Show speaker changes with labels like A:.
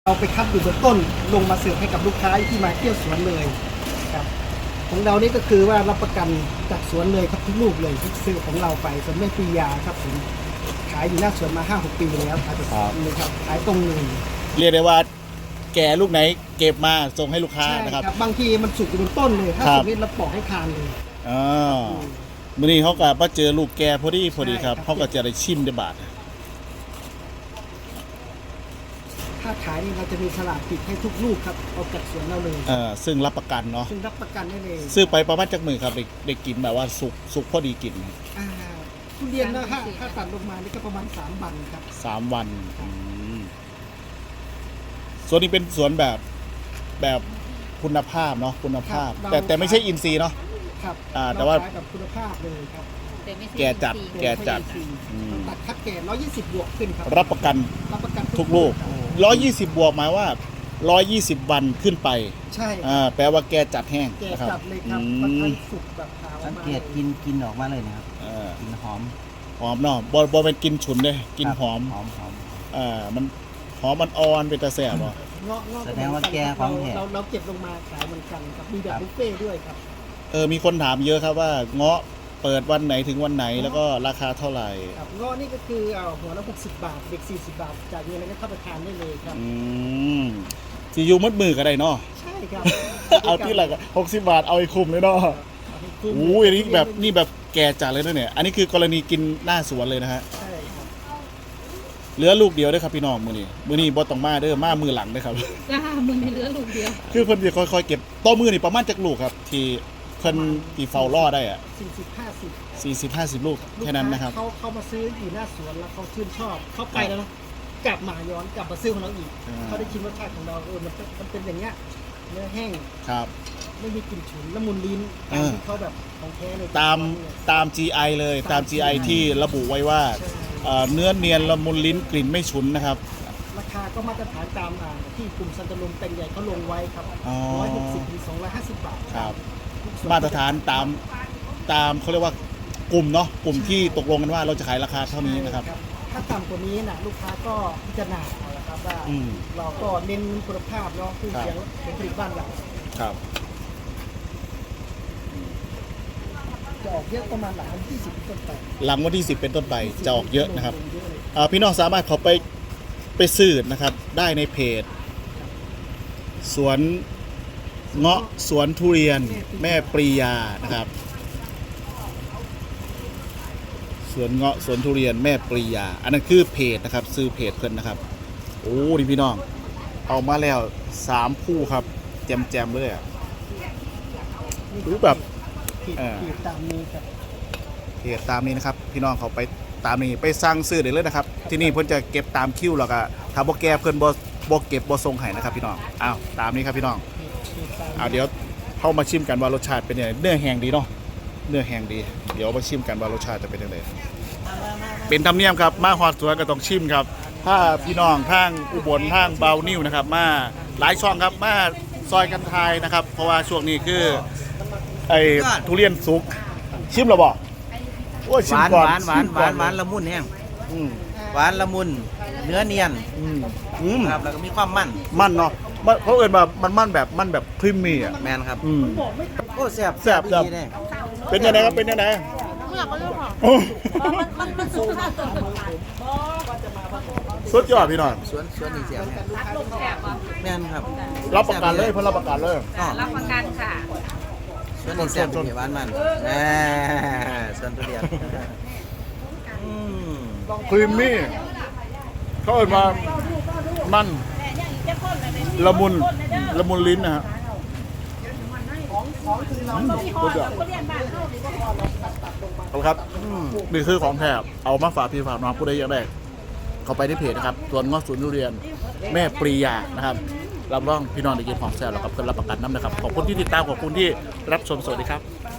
A: เราไปคัดอยู่บนต้นลงมาเสิร์ฟให้กับลูกค้าที่มาเที่ยวสวนเลยครับของเรานี่ก็คือว่ารับประกันจากสวนเลยครับทุกลูกเลยที่ซื้อของเราไปส่วนแม่ปียาครับผมขายอยู่หน้าสวนมา 5-6 ปีแล้วขายแบบนี้ครับขายตรงเลย
B: เรียกได้ว่าแก่ลูกไหนเก็บมาส่งให้ลูกค้านะครับ
A: บางทีมันสุกอยู่บนต้นเลยถ้าสุกนี่เราปอกให้ทานเลย
B: มื้อนี้เขาก็มาเจอลูกแก่พอดีครับเขาก็จะได้ชิมได้บาท
A: ถ้าขายนี่เราจะมีฉลากติดให้ทุกลูกครับออกจากสวนเราเลย
B: ซึ่งรับประกันเนาะ
A: ซึ่งรับประกันได้เลย
B: ซื้อไปประมาณจักมือครับได้กินแบบว่าสุกพอดีกิน
A: ทุเรียนนะถ้าตัดลงมานี่ก็ประมาณ3 วันครับ
B: 3 วันส่วนนี้เป็นสวนแบบคุณภาพเนาะคุณภาพแต่ไม่ใช่อินทรีย์เนาะ
A: ครับ
B: แต่ว่า
A: แบบคุณภาพเลยครับ
B: แก่จัด
A: ตัดคัดแก่120 บวกขึ้นครับ
B: รับประกันทุกลูก120 บวกหมายว่า120 วันขึ้นไป
A: ใช่
B: แปลว่าแก่จัดแห้ง
A: แก่จัดเลยครับมันสุกแบบขาว
C: สังเกตกินออกมาเลยนะครับกินหอม
B: เนาะบ่เป็นกินฉุนเลยกินหอมมันหอมมันอ่อนเป็นตาแสบ
A: แสดงว่าแก่ของแท้เราเก็บลงมาขายเหมือนกันครับมีแบบบุฟเฟ่ด้วยครับ
B: มีคนถามเยอะครับว่าเงาะเปิดวันไหนถึงวันไหนแล้วก็ราคาเท่าไหร่
A: ครับเงาะนี่ก็คือหัวละ60 บาทเด็ก40 บาทจ่ายเงินแล้วก็เข้าไปทานได้เลยครับ
B: สิอยู่มัดมือก็ได้เนาะ
A: ใช่ครับ
B: เอาที่ละ60 บาทเอาไอ้คุ้มเลยเนาะโอ้ยนี่แบบแก่จัดเลยนะเนี่ยอันนี้คือกรณีกินหน้าสวนเลยนะฮะ
A: ใช่ครับ
B: เหลือลูกเดียวได้ครับพี่น้องมื้อนี้บ่ต้องมาเด้อมามือหลังได้ครับ
D: มึงมีเหลือลูกเดียว
B: คือเพิ่นสิค่อยๆเก็บต่อมือนี่ประมาณจักลูกครับที่เพิ่นที่เฝ้ารอได้อะ40-50 ลูกแค่นั้นนะครับ
A: เขามาซื้ออยู่หน้าสวนแล้วเขาชื่นชอบเขาไปแล้วนะกลับมาย้อนกลับมาซื้อของเราอีกเขาได้ชิมรสชาติของเรามันเป็นอย่างเงี้ยเนื้อแห้ง
B: ครับ
A: ไม่มีกลิ่นฉุนละมุนลิ้นที่เขาแบบของแท้เลย
B: ตาม GI เลยตาม GI ที่ระบุไว้ว่าเนื้อเนียนละมุนลิ้นกลิ่นไม่ฉุนนะครับ
A: ราคาก็มาตรฐานตามที่กลุ่มซันตะลุมเป็นใหญ่เขาลงไว้ครับ160-250 บาท
B: ครับมาตรฐานตามเขาเรียกว่ากลุ่มเนาะกลุ่มที่ตกลงกันว่าเราจะขายราคาเท่านี้นะครับ
A: ถ้าต่ำกว่านี้นะลูกค้าก็พิจารณาเอาละครับว่าเราก็เน้นคุณภาพเนาะผู้เสียงผลผลิตบ้านเรา
B: ครับ
A: จะออกเยอะประมาณหลังวันที่10เป็นต้นไป
B: หลังวันที่10เป็นต้นไปจะออกเยอะนะครับพี่น้องสามารถเข้าไปซื้อนะครับได้ในเพจสวนเงาะสวนทุเรียนแม่ปรียานะครับสวนเงาะสวนทุเรียนแม่ปรียาอันนั้นคือเพจนะครับซื้อเพจเพิ่นนะครับโอ้ดิพี่น้องเอามาแล้ว3 คู่ครับแจมเลยรู้แบบ
A: ตามนี้ครับ
B: เพจตามนี้นะครับพี่น้องเขาไปตามนี้ไปสั่งซื้อได้เลยนะครับที่นี่เพิ่นจะเก็บตามคิวแล้วก็ถ้าบ่แก่เพิ่นบ่เก็บบ่ส่งให้นะครับพี่น้องตามนี้ครับพี่น้องเดี๋ยวเข้ามาชิมกันว่ารสชาติเป็นยังไงเนื้อแห้งดีเนาะเนื้อแห้งดีเดี๋ยวมาชิมกันว่ารสชาติจะเป็นยังไงเป็นธรรมเนียมครับมาฮอดสวนก็ต้องชิมครับถ้าพี่น้องทางอุบลทางเบานิ่วนะครับมาหลายช่องครับมาซอยกันทายนะครับเพราะว่าช่วงนี้คือไอ้ทุเรียนสุกชิมแล้วบ่โอ้ยชิมก่อน
C: หวานละมุนแห้งหวานละมุนเนื้อเนียนครับแล้วก็มีความมัน
B: เนาะเขาเอิ้นว่ามันแบบครีมมี่อ่ะ
C: แมนครับโอ้แซ่บ
B: เป็นยังไงครับเป็นยังไงสุดยอดพี่น้อง
C: สวนนี่แซ่บแมนครับ
B: รับประกันเลยเพิ่นรับประกันเลย
D: รับประกันค่ะ
C: สวนนี่แซ่บหวานมันสวนทุเรียน
B: ครีมมี่เขาเอิ้นว่ามันละมุนลิ้นนะฮะครับนี่คือของแถบเอามาฝากพี่ฝากน้องผู้ใดอยากได้เขาไปที่เพจนะครับสวนเงาะสวนทุเรียนแม่ปรียานะครับรับรองพี่น้องได้กินของแซ่บแล้วก็เพิ่นรับประกันน้ำนะครับขอบคุณที่ติดตามขอบคุณที่รับชมสวัสดีครับ